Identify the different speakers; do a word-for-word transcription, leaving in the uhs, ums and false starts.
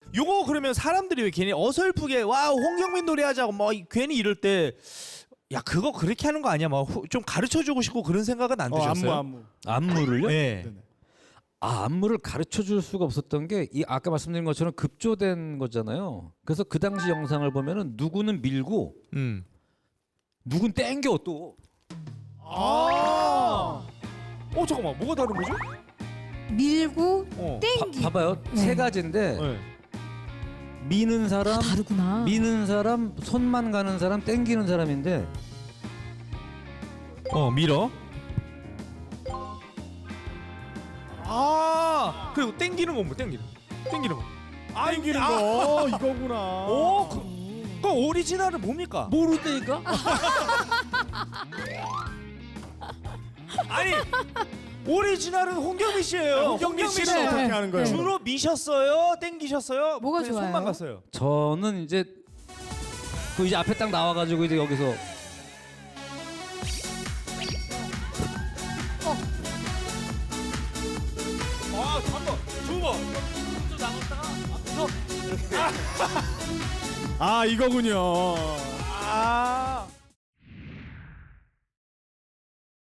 Speaker 1: 요거 그러면 사람들이 왜 괜히 어설프게 와 홍경민 노래하자고 뭐 괜히 이럴 때 야 그거 그렇게 하는 거 아니야? 막 좀 가르쳐주고 싶고 그런 생각은 안
Speaker 2: 어,
Speaker 1: 드셨어요?
Speaker 2: 안무 안무.
Speaker 3: 안무를요?
Speaker 1: 네.
Speaker 2: 네네.
Speaker 3: 아, 안무를 가르쳐 줄 수가 없었던 게 이 아까 말씀드린 것처럼 급조된 거잖아요. 그래서 그 당시 영상을 보면은 누구는 밀고
Speaker 1: 음.
Speaker 3: 누군 땡겨 또.
Speaker 1: 아. 어 잠깐만 뭐가 다른 거죠?
Speaker 4: 밀고
Speaker 1: 어.
Speaker 4: 땡기.
Speaker 3: 봐, 봐요.
Speaker 4: 네.
Speaker 3: 세 가지인데
Speaker 1: 네.
Speaker 3: 미는 사람,
Speaker 4: 다 다르구나.
Speaker 3: 미는 사람, 손만 가는 사람, 땡기는 사람인데
Speaker 1: 어 밀어. 아 그리고 땡기는 건 뭐 땡기는? 거. 땡기는 거. 아
Speaker 2: 땡기는
Speaker 1: 아,
Speaker 2: 거 이거구나.
Speaker 1: 오 그, 그 오리지널은 뭡니까?
Speaker 3: 모르다니까?
Speaker 1: 아니 오리지널은 홍경민 씨예요.
Speaker 2: 홍경민 씨는
Speaker 4: 네.
Speaker 2: 어떻게 하는 거예요?
Speaker 1: 주로 미셨어요? 땡기셨어요?
Speaker 4: 뭐가
Speaker 1: 그냥
Speaker 4: 좋아요?
Speaker 1: 손만 갔어요.
Speaker 3: 저는 이제 그 이제 앞에 딱 나와가지고 이제 여기서
Speaker 1: 아, 한 번, 두 번.
Speaker 2: 아 이거군요.
Speaker 1: 아.